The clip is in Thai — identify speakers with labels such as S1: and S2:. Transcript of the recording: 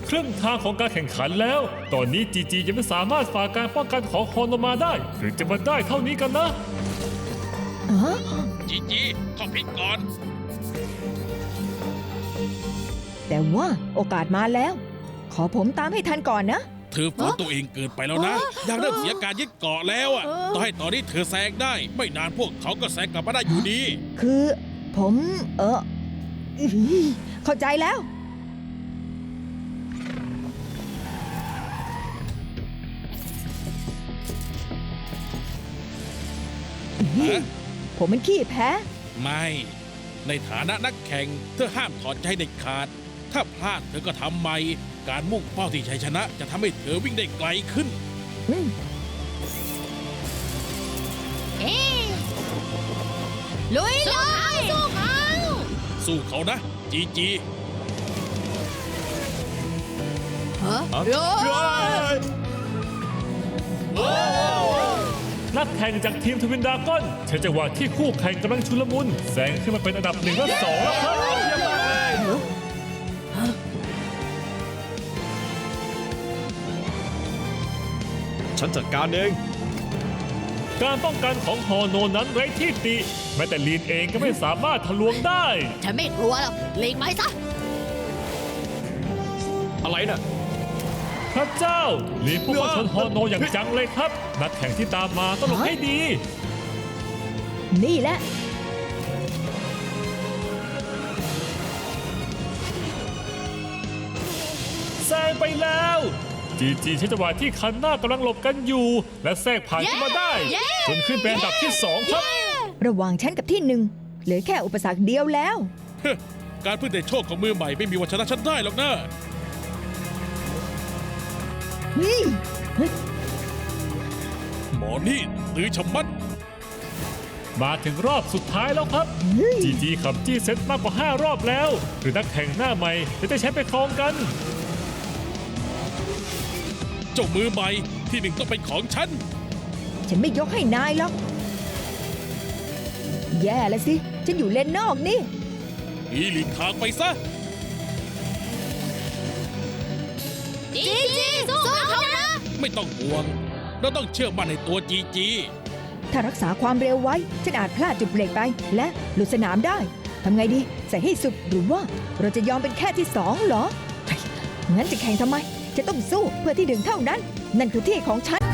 S1: ครึ่งทางของการแข่งขันแล้ว ตอนนี้จีจียังไม่สามารถฝ่าการป้องกันของฮอนมาได้หรือจะมาได้เท่านี้กันนะ
S2: จีจีท่องพิษก่อน
S3: แต่ว่าโอกาสมาแล้ว ขอผมตามให้ทันก่อนนะ
S2: เธอฝืนตัวเองเกินไปแล้วนะยังเริ่มเสียการยึดเกาะแล้วอ่ะต่อให้ตอนนี้เธอแซงได้ ไม่นานพวกเขาก็แซงกลับมาได้อยู่ดี
S3: คือผมเข้าใจแล้ว ผมเป็นขี้แพ้
S2: ไม่ ในฐานะนักแข่งเธอห้ามถอดใจเด็ดขาด ถ้าพลาดเธอก็ทำใหม่ การมุ่งเป้าที่ชัยชนะจะทำให้เธอวิ่งได้ไกลขึ้น
S4: ลุยเลยสู้เขา
S2: สู้เขานะ จีจี
S1: นักแข่งจากทีมทวินดราก้อนใช้จังหวะที่คู่แข่งกำลังชุลมุนแซงขึ้นมาเป็นอันดับ1 และ 2แล้วครับเยี่ยมมากเลย
S5: ฉันจัดการเอง
S1: การป้องกันของฮอโนนั้นไร้ที่ติแม้แต่ลีนเองก็ไม่สามารถทะลวงได้
S4: ฉันไม่กลัวหรอกหลีกไปซะ
S5: อะไรน่ะ
S1: พระเจ้าลีนพุ่งเข้าชนฮอโนอย่างจังเลยครับ นักแข่งที่ตามมาต้องหลบให้ดี
S3: นี่แหละ
S1: แซงไปแล้วจีจีใช้จังหวะที่คันหน้ากำลังหลบกันอยู่ และแทรกผ่านขึ้นมาได้ จนขึ้นเป็นอันดับที่ 2 ครับ
S3: ระหว่างฉันกับที่หนึ่งเหลือแค่อุปสรรคเดียวแล้ว
S2: การพึ่งแต่โชคของมือใหม่ไม่มีวันชนะฉันได้หรอกนะ
S3: นี่เฮ้ย
S2: หมอนี่ตื้อชะมัด
S1: มาถึงรอบสุดท้ายแล้วครับจีจีขับจี้เซตมากกว่า 5 รอบแล้ว หรือนักแข่งหน้าใหม่จะได้ใช้ไปครองกัน
S2: เจ้ามือใหม่ที่หนึ่งต้องเป็นของฉัน
S3: ฉันไม่ยกให้นายหรอก แย่แล้วสิ ฉันอยู่เลนนอกนี่
S2: อีหลีกทางไปซะ
S4: จีจีสู้เขานะ
S2: ไม่ต้องห่วง เราต้องเชื่อมั่นในตัวจีจี
S3: ถ้ารักษาความเร็วไว้ ฉันอาจพลาดจุดเบรกไป และหลุดสนามได้ ทำไงดี ใส่ให้สุดหรือว่าเราจะยอมเป็นแค่ที่2เหรอ งั้นจะแข่งทำไม จะต้องสู้เพื่อที่1เท่านั้น นั่นคือที่ของฉัน